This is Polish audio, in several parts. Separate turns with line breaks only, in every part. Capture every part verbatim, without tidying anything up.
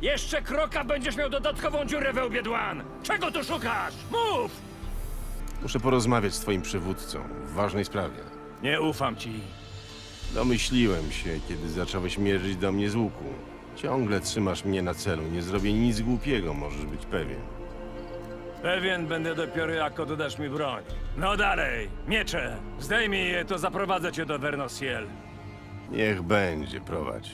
Jeszcze kroka będziesz miał dodatkową dziurę we łbie, Dwan! Czego tu szukasz? Mów!
Muszę porozmawiać z twoim przywódcą w ważnej sprawie.
Nie ufam ci.
Domyśliłem się, kiedy zacząłeś mierzyć do mnie z łuku. Ciągle trzymasz mnie na celu. Nie zrobię nic głupiego, możesz być pewien.
Pewien będę dopiero jak oddasz mi broń. No dalej, miecze! Zdejmij je, to zaprowadzę cię do Vernosiel.
Niech będzie, prowadź.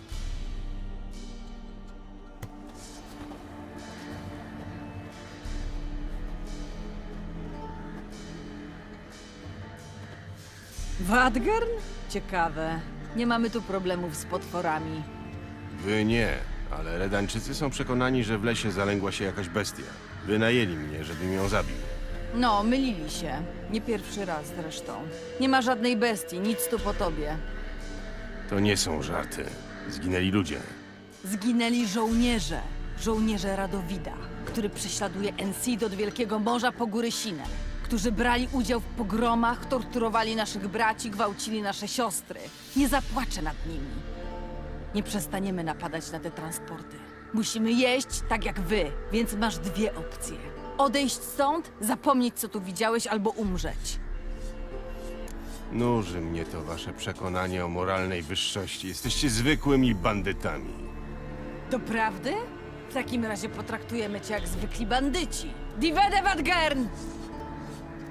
Wadgern? Ciekawe. Nie mamy tu problemów z potworami.
Wy nie, ale Redańczycy są przekonani, że w lesie zalęgła się jakaś bestia. Wynajęli mnie, żebym ją zabił.
No, mylili się. Nie pierwszy raz zresztą. Nie ma żadnej bestii, nic tu po tobie.
To nie są żarty. Zginęli ludzie.
Zginęli żołnierze. Żołnierze Radowida, który prześladuje Ensid od Wielkiego Morza po góry Sinę. Którzy brali udział w pogromach, torturowali naszych braci, gwałcili nasze siostry. Nie zapłaczę nad nimi. Nie przestaniemy napadać na te transporty. Musimy jeść tak jak wy, więc masz dwie opcje. Odejść stąd, zapomnieć co tu widziałeś, albo umrzeć.
Nuży mnie to wasze przekonanie o moralnej wyższości. Jesteście zwykłymi bandytami.
Doprawdy? W takim razie potraktujemy cię jak zwykli bandyci. Divede Wadgern!